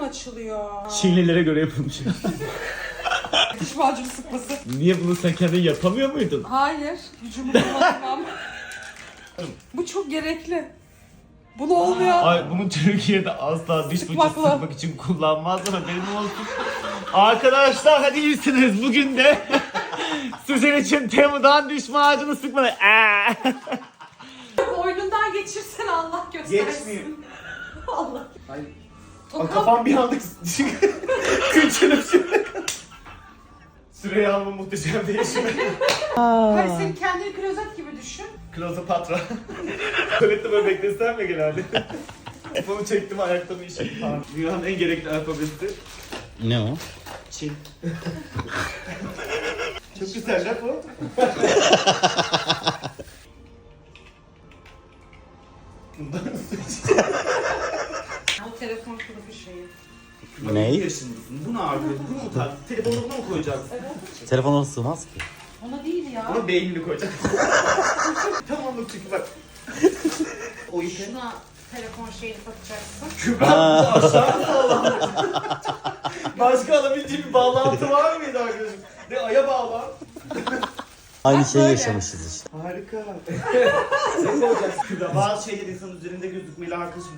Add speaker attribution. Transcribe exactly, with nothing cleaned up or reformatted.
Speaker 1: açılıyor?
Speaker 2: Çinlilere göre yapılmış.
Speaker 1: Diş macunu sıkması.
Speaker 2: Niye bunu sen kendin yapamıyor muydun?
Speaker 1: Hayır. Gücümü kullanmam. Bu çok gerekli. Bunu olmuyor.
Speaker 2: Ay bunu Türkiye'de asla diş fırçası
Speaker 1: Sıkmakla.
Speaker 2: sıkmak için kullanmazlar, benim olsun. Arkadaşlar hadi iyisiniz, bugün de sizin için Temu'dan diş macunu sıkmalı.
Speaker 1: Boynundan geçirsen Allah göstersin.
Speaker 2: Geçmiyor.
Speaker 1: Allah.
Speaker 2: Ay,
Speaker 1: O
Speaker 2: kafam bir anda küçülüp şimdi. Süreyi alma muhteşem değişimi.
Speaker 1: Hayır, sen kendini klozet gibi düşün.
Speaker 2: Klozopatra. Tuvalette böyle beklesem mi genelde? Bunu çektim, ayakta bir işim. Dünyanın en gerekli alfabesi.
Speaker 3: Ne o?
Speaker 2: Çin. Çok güzel laf o.
Speaker 1: O telefon kılıfı şeyi.
Speaker 3: Ne?
Speaker 2: yedi yaşındasın. Bu ne abi? Bu mu tak? Telefonu buna mı koyacaksın?
Speaker 3: Telefona sığmaz ki.
Speaker 1: Ona değil ya.
Speaker 2: Buna beynini koyacaksın. Tamamlık çünkü bak. O işe.
Speaker 1: Şuna telefon şeyini takacaksın.
Speaker 2: Kübra bu aşağı mı bağlandı? Başka alabileceğim bir bağlantı var mıydı arkadaşım? Ne aya bağlan?
Speaker 3: Aynı
Speaker 1: Bak
Speaker 3: şeyi
Speaker 1: böyle.
Speaker 3: yaşamışız işte.
Speaker 2: Harika. Ne olacaksın Kübra? Bazı şeyler insanın üzerinde gözükmeli arkadaşım.